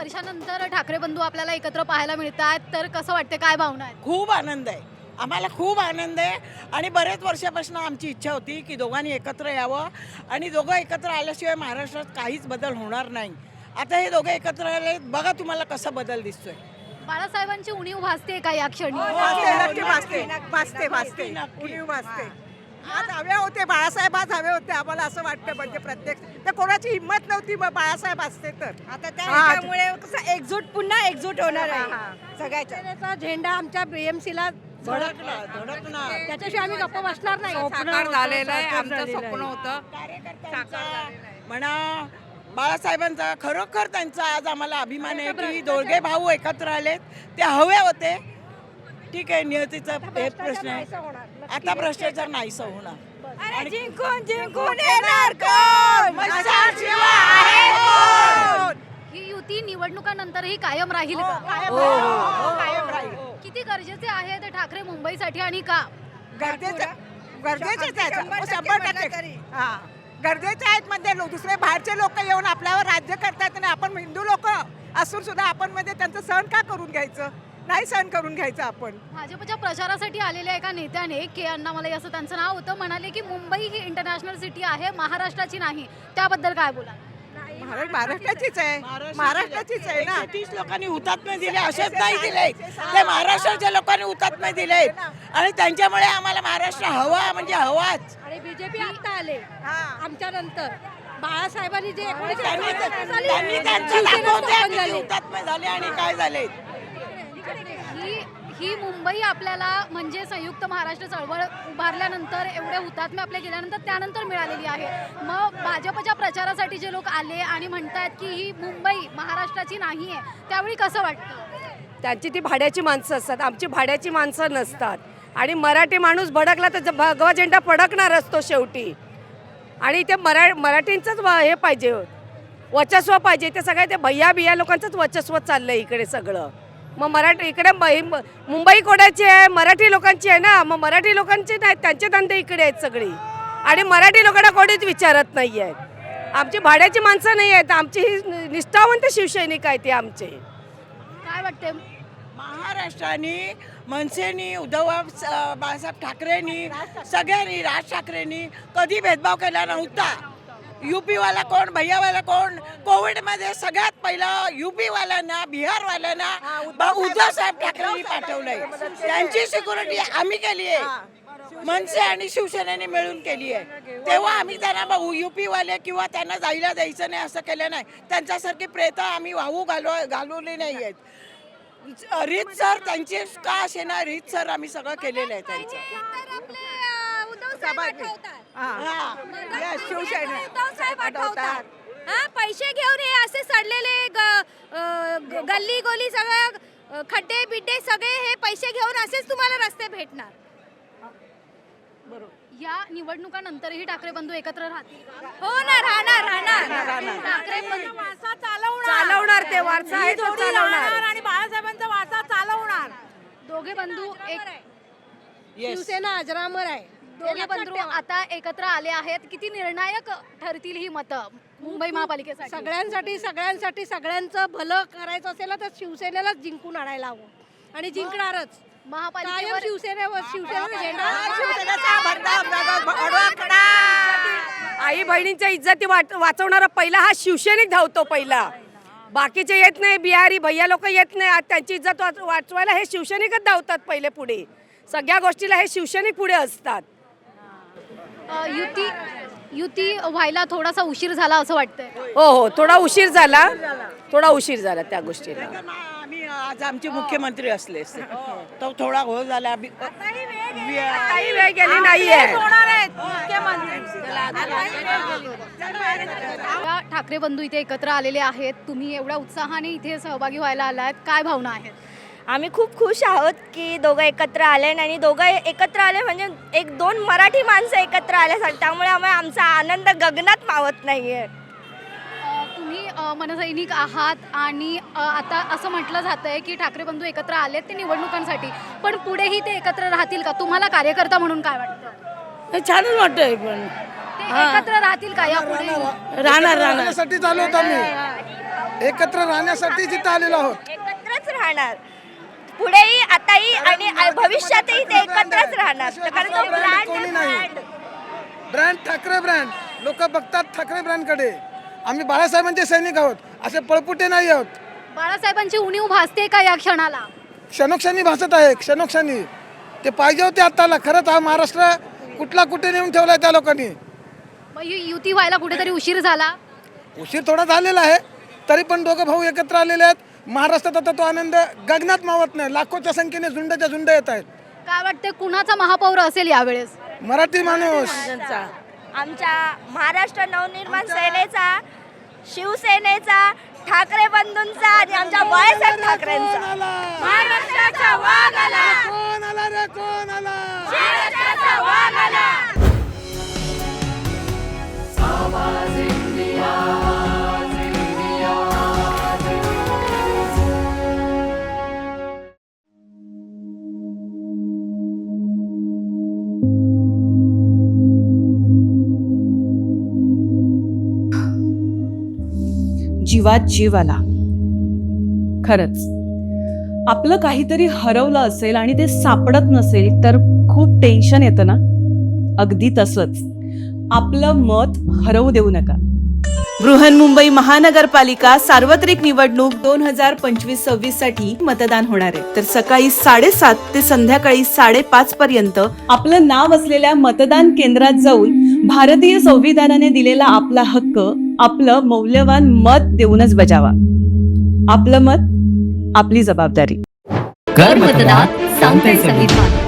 वर्षानंतर ठाकरे बंधू आपल्याला एकत्र पाहायला मिळतात, तर कसं वाटतं, काय भावना आहेत? खूप आनंद आहे, आम्हाला खूप आनंद आहे. आणि बरेच वर्षापासून आमची इच्छा होती की दोघांनी एकत्र यावं आणि दोघं एकत्र आल्याशिवाय महाराष्ट्रात काहीच बदल होणार नाही. आता हे दोघं एकत्र आले, बघा तुम्हाला कसा बदल दिसतोय. बाळासाहेबांची उणीव भासते का या क्षणी? भासते. आज हवे होते बाळासाहेब, आज हवे होते आम्हाला असं वाटतं. म्हणजे प्रत्येक तर कोणाची हिंमत नव्हती, मग बाळासाहेब असते तर आता त्यामुळे कसं एकजूट, पुन्हा एकजूट होणार आहे सगळ्याच्या. शिवसेनेचा झेंडा आमच्या बीएमसीला धडकणार त्याच्याशिवाय आम्ही गप्प बसणार नाही. साकार झालेलं आहे, आमचं स्वप्न होतं. म्हणा बाळासाहेबांचा खरोखर त्यांचा आज आम्हाला अभिमान आहे की दोघे भाऊ एकत्र आलेत. ते हवे होते, ठीक आहे, नियतीचा हे प्रश्न आहे. आता भ्रष्टाचार नाहीसा होणार. अरे जिंकून येणार कोण? ही युती निवडणुकानंतरही कायम राहील का? कायम राहील. किती गरजेचे आहे ते ठाकरे मुंबईसाठी आणि का? गरजेचेच आहेत, 100%. हा, गरजेचे आहेत. म्हणजे दुसरे बाहेरचे लोक येऊन आपल्यावर राज्य करतात आणि आपण हिंदू लोक असून सुद्धा आपण म्हणजे त्यांचं सहन का करून घ्यायचं? नाही सहन करून घ्यायचं आपण. भाजपच्या प्रचारासाठी आलेल्या एका नेत्याने के अण्णामलई असं त्यांचं नाव होतं, म्हणाले की मुंबई ही इंटरनॅशनल सिटी आहे, महाराष्ट्राची नाही. त्याबद्दल काय बोला? महाराष्ट्राचीच आहे, महाराष्ट्राचीच आहे ना. 30 लोकांनी हुतात्मे दिले, असेच नाही दिले, ते महाराष्ट्राच्या लोकांनी हुतात्मे दिले आणि त्यांच्यामुळे आम्हाला महाराष्ट्र हवा म्हणजे हवाच. आणि बीजेपी आता आले आमच्या नंतर. बाळासाहेबांनी जे त्यांनी त्यांचं दाखवून द्या किती हुतात्मे झाले आणि काय झाले. ही मुंबई आपल्याला म्हणजे संयुक्त महाराष्ट्र चळवळ उभारल्यानंतर एवढे हुतात्मे आपल्या गेल्यानंतर त्यानंतर मिळालेली आहे. मग भाजपच्या प्रचारासाठी जे लोक आले आणि म्हणतात की ही मुंबई महाराष्ट्राची नाही आहे, त्यावेळी कसं वाटतं? त्यांची ती भाड्याची माणसं असतात, आमची भाड्याची माणसं नसतात. आणि मराठी माणूस भडकला तर भगवा झेंडा फडकणार असतो शेवटी. आणि ते मराठींचंच हे पाहिजे, वर्चस्व पाहिजे. ते सगळे ते भैया बिया लोकांचंच वर्चस्व चाललं आहे इकडे सगळं. मग मराठी इकडे मुंबई कोणाची आहे? मराठी लोकांची आहे ना. मग मराठी लोकांचे नाही, त्यांचे धंदे इकडे आहेत सगळी. आणि मराठी लोकांना कोणीच विचारत नाही आहेत. आमची भाड्याची माणसं नाही आहेत, आमची ही निष्ठावंत शिवसैनिक आहेत ते आमचे. काय वाटते? महाराष्ट्राने मनसेनी, उद्धव बाळासाहेब ठाकरेंनी, सगळ्यांनी, राज ठाकरेंनी कधी भेदभाव केला नव्हता. यूपीवाला कोण, भैयावाला कोण, कोविडमध्ये सगळ्यात पहिलं यूपीवाल्यांना, बिहारवाल्यांना उद्धव साहेब ठाकरेंनी पाठवलंय. त्यांची सिक्युरिटी आम्ही केली आहे, मनसे आणि शिवसेनेने मिळून केली आहे. तेव्हा आम्ही त्यांना यूपीवाले किंवा त्यांना जायला द्यायचं नाही असं केलं नाही. त्यांच्यासारखी प्रेत आम्ही वाहू घालवली नाही आहेत. रीतसर त्यांची का असे ना, रीतसर आम्ही सगळं केलेलं आहे त्यांचं. पैसे घेऊन हे असे सडलेले गल्ली गोली सगळं खड्डे बिड्डे सगळे हे पैसे घेऊन असेच तुम्हाला रस्ते भेटणार. या निवडणुकानंतरही ठाकरे बंधू एकत्र राहतील का? हो ना, राहणार. ठाकरे बंधू चालवणार ते वारसा आहे तो चालवणार. आणि बाळासाहेबांचा वारसा चालवणार. दोघे बंधू शिवसेना अजरामर आहे. दोघे बंधू आता एकत्र आले आहेत. किती निर्णायक ठरतील ही मतं मुंबई महापालिकेसाठी? सगळ्यांसाठी सगळ्यांचं भलं करायचं असेल तर शिवसेनेलाच जिंकून आणायला हवं आणि जिंकणारच. महापालिकेवर शिवसेनेचा झेंडा. आई बहिणींच्या इज्जती वाचवणारा पहिला हा शिवसैनिक धावतो पहिला. बाकीचे येत नाही, बिहारी भैया लोक येत नाही. आज त्यांची इज्जत वाचवायला हे शिवसैनिकच धावतात पहिले पुढे. सगळ्या गोष्टीला हे शिवसैनिक पुढे असतात. युती व्हायला थोडासा उशीर झाला असं वाटतंय. हो, थोडा उशीर झाला त्या गोष्टीला. आम्ही आज आमचे मुख्यमंत्री असले असते तो थोडा घोळ झाला. काही वेळ गेली नाहीये. ठाकरे बंधू इथे एकत्र आलेले आहेत. तुम्ही एवढ्या उत्साहाने इथे सहभागी व्हायला आलात, काय भावना आहेत? आम्ही खूप खुश आहोत की दोघं एकत्र आले आणि दोघं एकत्र आले म्हणजे एक दोन मराठी माणसं एकत्र आल्यासाठी. त्यामुळे आमचा आनंद गगनात मावत नाहीये. तुम्ही मनसैनिक आहात आणि आता असं म्हटलं जातंय की ठाकरे बंधू एकत्र आलेत ते निवडणुकांसाठी, पण पुढेही ते एकत्र राहतील का? तुम्हाला कार्यकर्ता म्हणून काय वाटतं? छानच वाटतंय. पण ते एकत्र राहतील का यापुढे? राहणार साठी चालू होतो मी. एकत्र राहण्यासाठी जिथं आलेलो आहोत. एकत्रच राहणार पुढेही, आताही आणि भविष्यातही ते एकत्रच राहणार. कारण तो brand कोणी आहे, नाही. brand. ब्रँड ठाकरे ब्रँड, लोक बघतात ठाकरे ब्रँडकडे. आम्ही बाळासाहेबांचे सैनिक आहोत, असे पळपुटे नाही आहोत. बाळासाहेबांची उणीव भासते का या क्षणाला? क्षणोक्षणी भासत आहे, क्षणोक्षणी. ते पाहिजे होते आत्ताला. खरंच हा महाराष्ट्र कुठला कुठे नेऊन ठेवलाय त्या लोकांनी. मग युती व्हायला कुठेतरी उशीर झाला. उशीर थोडा झालेला आहे, तरी पण दोघं भाऊ एकत्र आलेले आहेत. महाराष्ट्रात आता तो आनंद गगनात मावत नाही. लाखोच्या संख्येने झुंडच्या झुंड येत आहेत. काय वाटते कुणाचा महापौर असेल यावेळेस? मराठी माणूस. आमच्या महाराष्ट्र नवनिर्माण सेनेचा, शिवसेनेचा, ठाकरे बंधूंचा आणि आमच्या बाळासाहेब ठाकरेंचा. महाराष्ट्राचा वाघ आला. कोण आला रे, कोण आला? महाराष्ट्राचा वाघ आला. जीवात जीव आला. खरंच आपलं काहीतरी हरवलं असेल आणि ते सापडत नसेल तर खूप टेन्शन येतं ना. अगदी तसंच आपलं मत हरवू देऊ नका. बृहन्मुंबई महानगरपालिका सार्वत्रिक निवडणूक 2025-26 साठी मतदान होणार आहे. तर सकाळी 7:30 ते संध्याकाळी 5:30 पर्यंत आपलं नाव असलेल्या मतदान केंद्रात जाऊन भारतीय संविधानाने दिलेला आपला हक्क, आपलं मौल्यवान मत देऊनच बजावा. आपलं मत, आपली जबाबदारी. कर मतदान, सांगते संविधान.